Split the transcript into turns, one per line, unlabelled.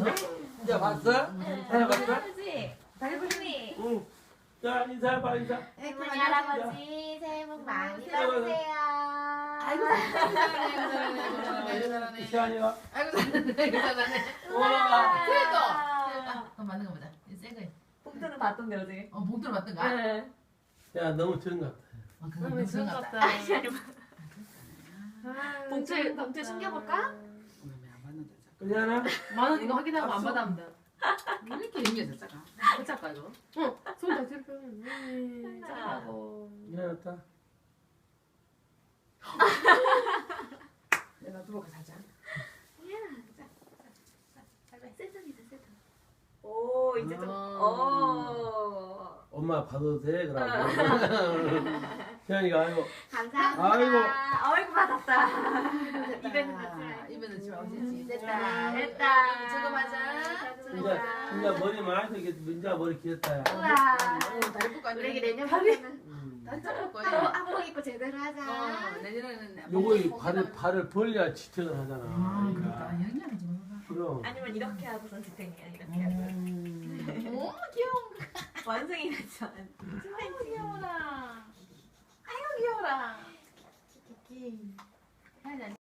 진짜 봤어? 사진 봤어?
할아버지. 할머니.
응. 자, 인사해봐, 인사.
할머니 할아버지 새해 복 많이
아이고,
받으세요.
아이고 잘하네.
시환이가.
아이고 잘하네.
와.
그래도. 그럼 맞는 거 보자. 새 거.
봉투는 봤던데 어제.
봉투를 맞던가?
네.
야, 너무 적은 것 같아.
그거
너무
좋은
좋은
것
것
같다.
같다.
봉투 숨겨볼까?
안 받는다.
그냥
만원 이거 확인하고 안 받아면 돼.
왜 이렇게 힘겨졌어?
어쩔까 이거? 응. 손다 뒤로 펴면.
잘하고.
미안하다.
내가 들어가 살자.
세상이다 세상. 오 이제 좀. 오.
엄마 봐도 돼? 그러고. 시환이가 아이고.
감사합니다.
아이고.
아이고 받았다. 이벤트 같이.
이번엔 좀 어디지?
됐다.
됐다.
됐다.
저거 맞아.
진짜 머리 많이 되게 민자 머리 길었다. 야.
우와.
다리 뽑고
우리
앉아.
내년부터는
다리 잡을
또
거야.
한복 입고 제대로 하자.
내년에는.
요거 발을 벌려야 지탱을 하잖아.
그러니까 영양이 좀 먹어봐.
그럼.
아니면 이렇게 하고선 지탱이야 이렇게 하고.
오 귀여워.
완성이 됐죠.
아이고 귀여워라. 아이고 귀여워라.